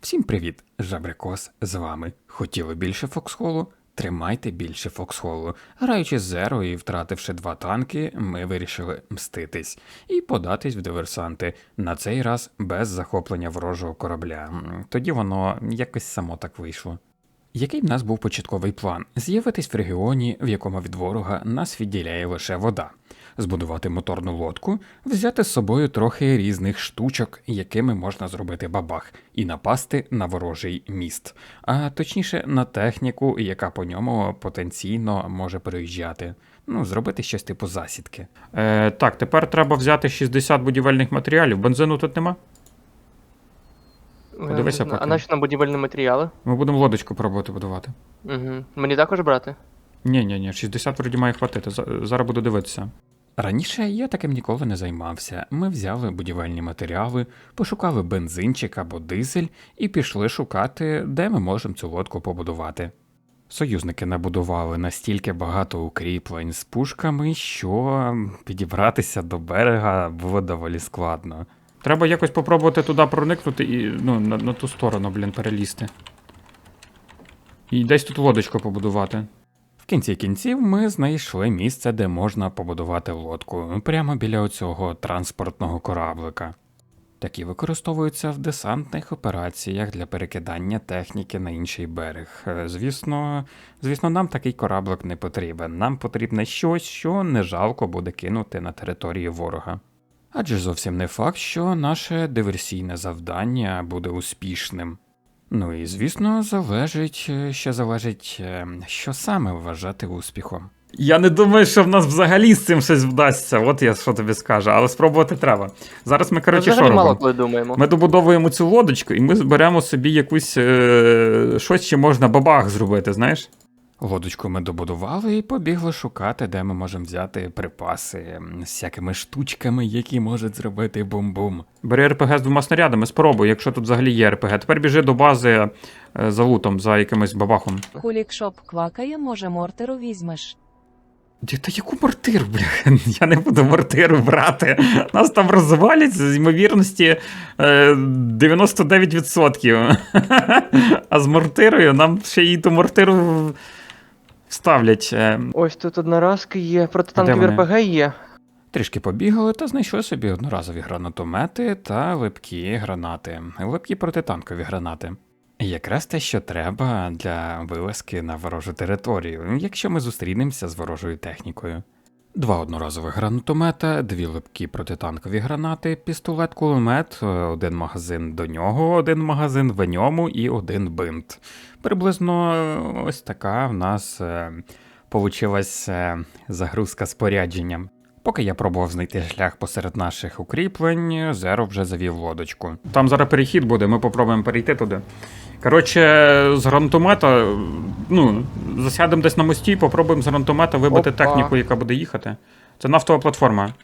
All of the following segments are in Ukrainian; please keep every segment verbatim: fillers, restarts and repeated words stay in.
Всім привіт, Жабрикос з вами. Хотіли більше Фоксхолу? Тримайте більше Фоксхолу. Граючи з Зеро і втративши два танки, ми вирішили мститись і податись в диверсанти, на цей раз без захоплення ворожого корабля. Тоді воно якось само так вийшло. Який в нас був початковий план? З'явитись в регіоні, в якому від ворога нас відділяє лише вода. Збудувати моторну лодку, взяти з собою трохи різних штучок, якими можна зробити бабах, і напасти на ворожий міст. А точніше на техніку, яка по ньому потенційно може переїжджати. Ну, зробити щось типу засідки. Е, так, тепер треба взяти шістдесят будівельних матеріалів. Бензину тут нема? Подивися Е, поки. А наші нам будівельні матеріали? Ми будемо лодочку пробувати будувати. Угу. Мені також брати? Ні-ні-ні, шістдесят вроді має хватити. За- Зараз буду дивитися. Раніше я таким ніколи не займався. Ми взяли будівельні матеріали, пошукали бензинчик або дизель і пішли шукати, де ми можемо цю лодку побудувати. Союзники набудували настільки багато укріплень з пушками, що підібратися до берега було доволі складно. Треба якось попробувати туди проникнути і ну, на, на ту сторону, блін, перелізти. І десь тут лодочку побудувати. В кінці кінців ми знайшли місце, де можна побудувати лодку, прямо біля оцього транспортного кораблика. Такі використовуються в десантних операціях для перекидання техніки на інший берег. Е, Звісно, звісно, нам такий кораблик не потрібен. Нам потрібне щось, що не жалко буде кинути на території ворога. Адже зовсім не факт, що наше диверсійне завдання буде успішним. Ну і звісно, залежить, е, ще залежить, е, що саме вважати успіхом. Я не думаю, що в нас взагалі з цим щось вдасться. От я що тобі скажу, але спробувати треба. Зараз ми, Ми коротше, що взагалі мало робимо? коли думаємо. Ми добудовуємо цю лодочку, і ми зберемо собі якусь е- щось, чи можна бабах зробити, знаєш? Лодочку ми добудували і побігли шукати, де ми можемо взяти припаси м, з всякими штучками, які можуть зробити бум-бум. Бери РПГ з двома снарядами, спробуй, якщо тут взагалі є РПГ. Тепер біжи до бази е, за лутом, за якимось бабахом. Хулікшоп квакає, може мортеру візьмеш. Ді, та яку мортиру, бля? Я не буду мортиру брати. Нас там розвалять з ймовірності е, дев'яносто дев'ять відсотків. А з мортирою нам ще й ту мортиру вставлять. Е, Ось тут одноразки є, протитанкові вони? РПГ є. Трішки побігали та знайшли собі одноразові гранатомети та липкі гранати, липкі протитанкові гранати. Якраз те, що треба для вилазки на ворожу територію, якщо ми зустрінемося з ворожою технікою. Два одноразових гранатомета, дві липкі протитанкові гранати, пістолет-кулемет, один магазин до нього, один магазин в ньому і один бинт. Приблизно ось така в нас е, получилась е, загрузка спорядженням. Поки я пробував знайти шлях посеред наших укріплень, Зеро вже завів лодочку. Там зараз перехід буде, ми попробуємо перейти туди. Коротше, з гранатомета, ну, засядемо десь на мості, попробуємо з гранатомета вибити Опа. техніку, яка буде їхати. Це нафтова платформа.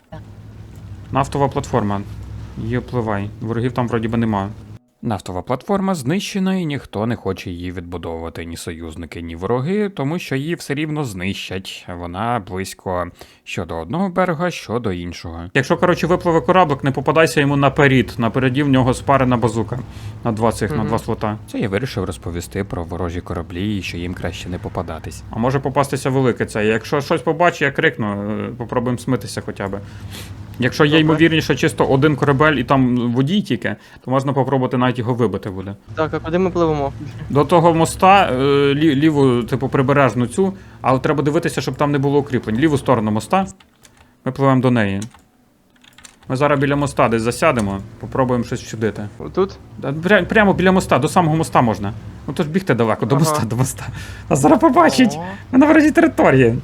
Нафтова платформа. Її впливай. Ворогів там вроді би нема. Нафтова платформа знищена і ніхто не хоче її відбудовувати, ні союзники, ні вороги, тому що її все рівно знищать. Вона близько що до одного берега, що до іншого. Якщо, коротше, випливе кораблик, не попадайся йому наперед. Напереді в нього спарена базука. На два цих, на Мгм. два слота. Це я вирішив розповісти про ворожі кораблі і що їм краще не попадатись. А може попастися велике це. Якщо щось побачу, я крикну, е, попробуємо смитися хоча б. Якщо є Добре. ймовірніше чисто один корабель і там водій тільки, то можна попробувати навіть його вибити буде. Так, а куди ми пливемо? До того моста, е, лі, ліву, типу, прибережну цю, але треба дивитися, щоб там не було укріплень. Ліву сторону моста. Ми пливемо до неї. Ми зараз біля моста десь засядемо, попробуємо щось вчудити. Тут? Да, пря- Прямо біля моста, до самого моста можна. Ну то ж бігти далеко, до Ага. моста, до моста. Нас зараз побачить. О. Ми на ворожій території.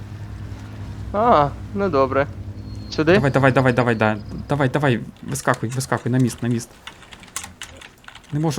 А, ну добре. Сюди? Давай, давай, давай, давай, да. Давай, давай, вискакуй, вискакуй, на міст, на міст. Не можу.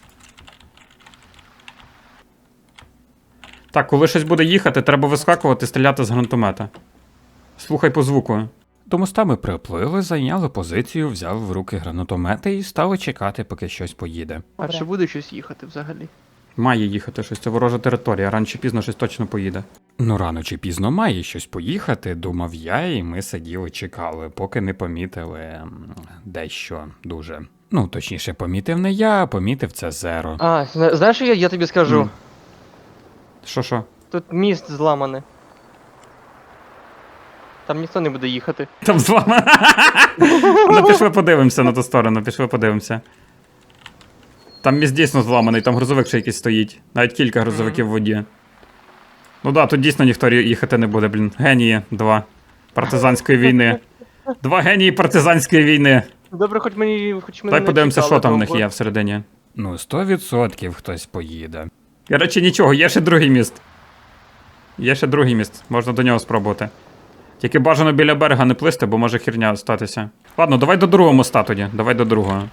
Так, коли щось буде їхати, треба вискакувати, стріляти з гранатомета. Слухай по звуку. До моста ми приплили, зайняли позицію, взяли в руки гранатомети і стали чекати, поки щось поїде. А чи буде щось їхати взагалі? Має їхати щось, це ворожа територія, рано чи пізно щось точно поїде. Ну, рано чи пізно має щось поїхати, думав я, і ми сиділи, чекали, поки не помітили м, дещо дуже. Ну, точніше, помітив не я, а помітив це Зеро. А, зна- знаєш, що я, я тобі скажу? М. Що що? Тут міст зламаний. Там ніхто не буде їхати. Там з вами. Ну, пішли подивимося на ту сторону, пішли подивимося. Там міст дійсно зламаний, там грузовик ще якийсь стоїть. Навіть кілька грузовиків в воді. Ну да, тут дійсно ніхто рі- їхати не буде, блін. Генії, два. Партизанської війни. Два генії партизанської війни. Добре, хоч мені хоч мене Дай не подивимося, чекали що там в них довго. є всередині. Ну, сто відсотків хтось поїде. Коротше, нічого, є ще другий міст. Є ще другий міст, можна до нього спробувати. Тільки бажано біля берега не плисти, бо може херня статися. Ладно, давай до другого моста тоді. Давай до другого.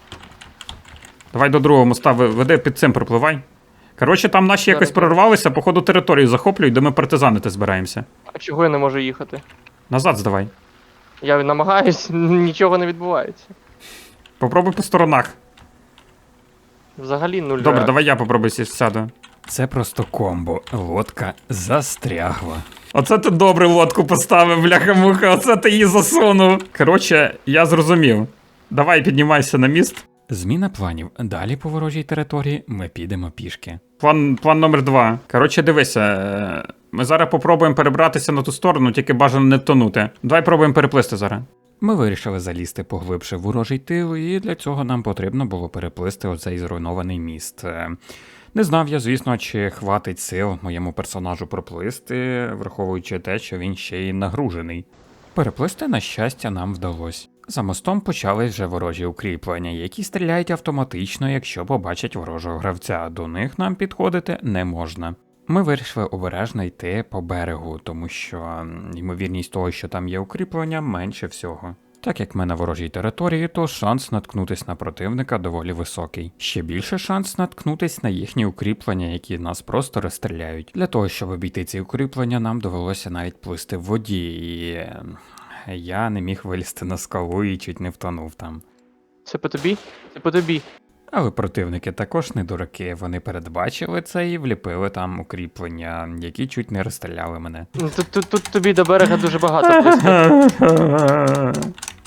Давай до другого моста, ви- веди під цим пропливай. Коротше, там наші якось Зараз. прорвалися, походу територію захоплюють, де ми партизанити збираємося. А чого я не можу їхати? Назад здавай. Я намагаюсь, нічого не відбувається. Попробуй по сторонах. Взагалі нуль. Добре, реакцій. давай я попробую сі- сяду. Це просто комбо. Лодка застрягла. Оце ти добре лодку поставив, бляха-муха, оце ти її засунув. Коротше, я зрозумів. Давай піднімайся на міст. Зміна планів. Далі по ворожій території ми підемо пішки. План, план номер два. Коротше, дивися. е, Ми зараз попробуємо перебратися на ту сторону, тільки бажано не тонути. Давай пробуємо переплисти зараз. Ми вирішили залізти поглибше в ворожий тил, і для цього нам потрібно було переплисти оцей зруйнований міст. Е, Не знав я, звісно, чи хватить сил моєму персонажу проплисти, враховуючи те, що він ще й нагружений. Переплисти, на щастя, нам вдалося. За мостом почались вже ворожі укріплення, які стріляють автоматично, якщо побачать ворожого гравця. До них нам підходити не можна. Ми вирішили обережно йти по берегу, тому що м, ймовірність того, що там є укріплення, менше всього. Так як ми на ворожій території, то шанс наткнутись на противника доволі високий. Ще більше шанс наткнутись на їхні укріплення, які нас просто розстріляють. Для того, щоб обійти ці укріплення, нам довелося навіть плисти в воді, і е, я не міг вилізти на скалу і чуть не втонув там. Це по тобі? Це по тобі. Але противники також не дураки, вони передбачили це і вліпили там укріплення, які чуть не розстріляли мене. Ну, Тут, тут, тут тобі до берега дуже багато плисти.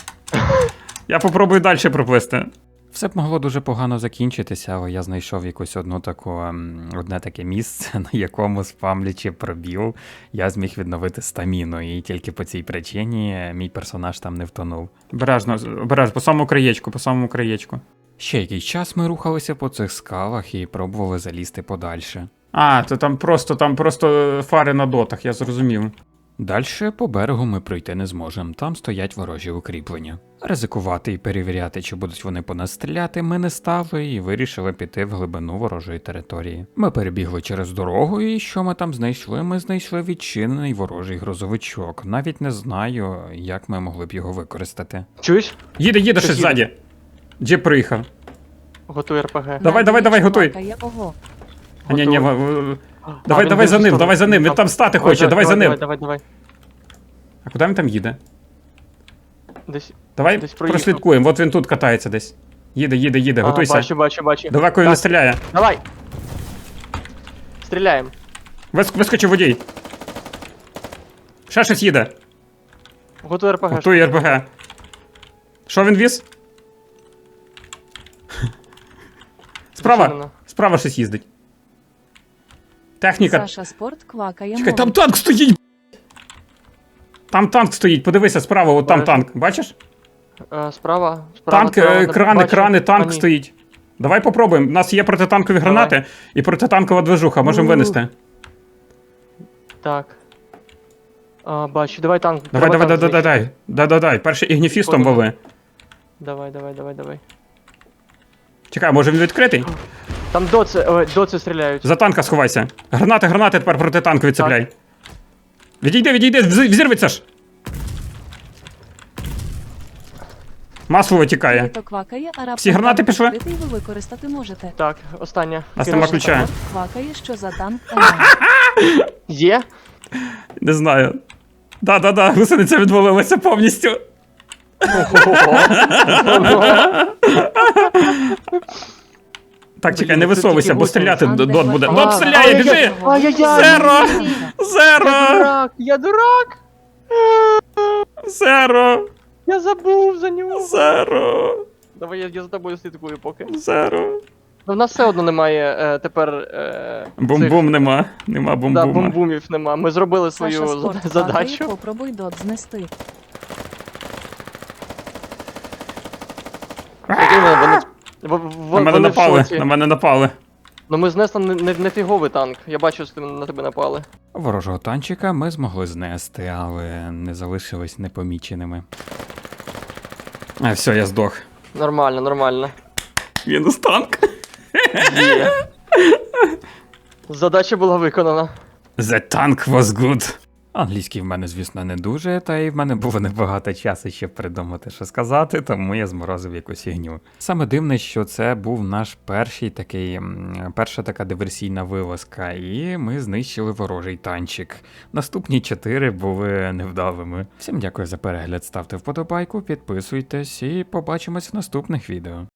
Я попробую далі проплисти. Все б могло дуже погано закінчитися, але я знайшов якусь одну таку, ем, одне таке місце, на якому, спамлячи пробіл, я зміг відновити стаміну, і тільки по цій причині мій персонаж там не втонув. Обережно, обережно, по самому краєчку, по самому краєчку. Ще якийсь час ми рухалися по цих скалах і пробували залізти подальше. А, то там просто, там просто фари на дотах, я зрозумів. Дальше по берегу ми пройти не зможемо, там стоять ворожі укріплення. Ризикувати і перевіряти, чи будуть вони по нас стріляти, ми не стали і вирішили піти в глибину ворожої території. Ми перебігли через дорогу, і що ми там знайшли? Ми знайшли відчинений ворожий грузовичок. Навіть не знаю, як ми могли б його використати. Чуєш? Їде, їде щось Щось їде. ззаді. Джип приїхав. Готуй РПГ. Давай, давай, давай, готуй. Квакає, ого. А, ні, ні, Готовий. в- в- А, давай, він давай в за іншу ним, сторону. давай за ним, він там стати Давай, хоче, давай за давай, ним. Давай, давай, А куди він там їде? Десь. Давай Десь проїхав. прослідкуємо, от він тут катається десь. Їде, їде, їде, А, готуйся. бачу, бачу, бачу. Далеко він не стріляє. Давай. Стріляємо. Вис- Вискочив водій. Ще щось їде. Готуй РПГ. Готує РПГ. Що він віз? Справа. Зачинено. Справа щось їздить. Техніка. Саша Спорт квакає. Чекай, там мовить. танк стоїть. б***ь. Там танк стоїть, подивися справа, от там Бачу. танк. Бачиш? Е, Справа. Справа. Танк, справа, е, не крани, бачу. крани, танк А, ні. стоїть. Давай попробуємо. У нас є протитанкові Давай. гранати і протитанкова движуха, можемо У. винести. Так. А, бачу, давай танк. Давай, треба давай, танк давай, знищити. давай. Да-да-дай. Перше ігніфістом Понял. вали. Давай, давай, давай, давай. Чекай, може він відкритий? Там доци, ой, доци стріляють. За танка сховайся. Гранати, гранати тепер протитанкові цепляй. Відійди, відійди, вз- взірветься ж. Масло витікає. Літо квакає, а раптом Всі гранати танк пішли? відкритий, ви використати можете. Так, остання. Нас Кирило, нема ключа. Спорт квакає, що за танк. Ага. Є? Не знаю. Да-да-да, гусениця відвалилася повністю. Так, чекай, Блін, не це висовуйся, тільки бо гусениці. стріляти А, д- де дот буде. ви? Дот А, стріляє, ай, біжи! Ай-яй-яй! Зеро! Я Зеро! дурак! Я дурак! Зеро! Я забув за нього! Зеро! Давай я, я за тобою слідкую поки. Зеро! Ну, в нас все одно немає е, тепер. Е, Бум-бум нема. Нема цих, да, бум-бума. бум-бумів нема. Ми зробили свою Саша зада- спорт задачу. падає, попробуй дот знести. Прикинь, Вони, в- в- На мене вони в напали, шоці. на мене напали. Ну ми знесли не, не, не фіговий танк. Я бачу, що на тебе напали. Ворожого танчика ми змогли знести, але не залишились непоміченими. А, все, я здох. Нормально, нормально. Мінус танк. Є. Задача була виконана. The tank was good. Англійський в мене, звісно, не дуже, та й в мене було небагато часу, щоб придумати, що сказати, тому я зморозив якусь фігню. Саме дивне, що це був наш перший такий, м, перша така диверсійна вилазка, і ми знищили ворожий танчик. Наступні чотири були невдалими. Всім дякую за перегляд, ставте вподобайку, підписуйтесь і побачимось в наступних відео.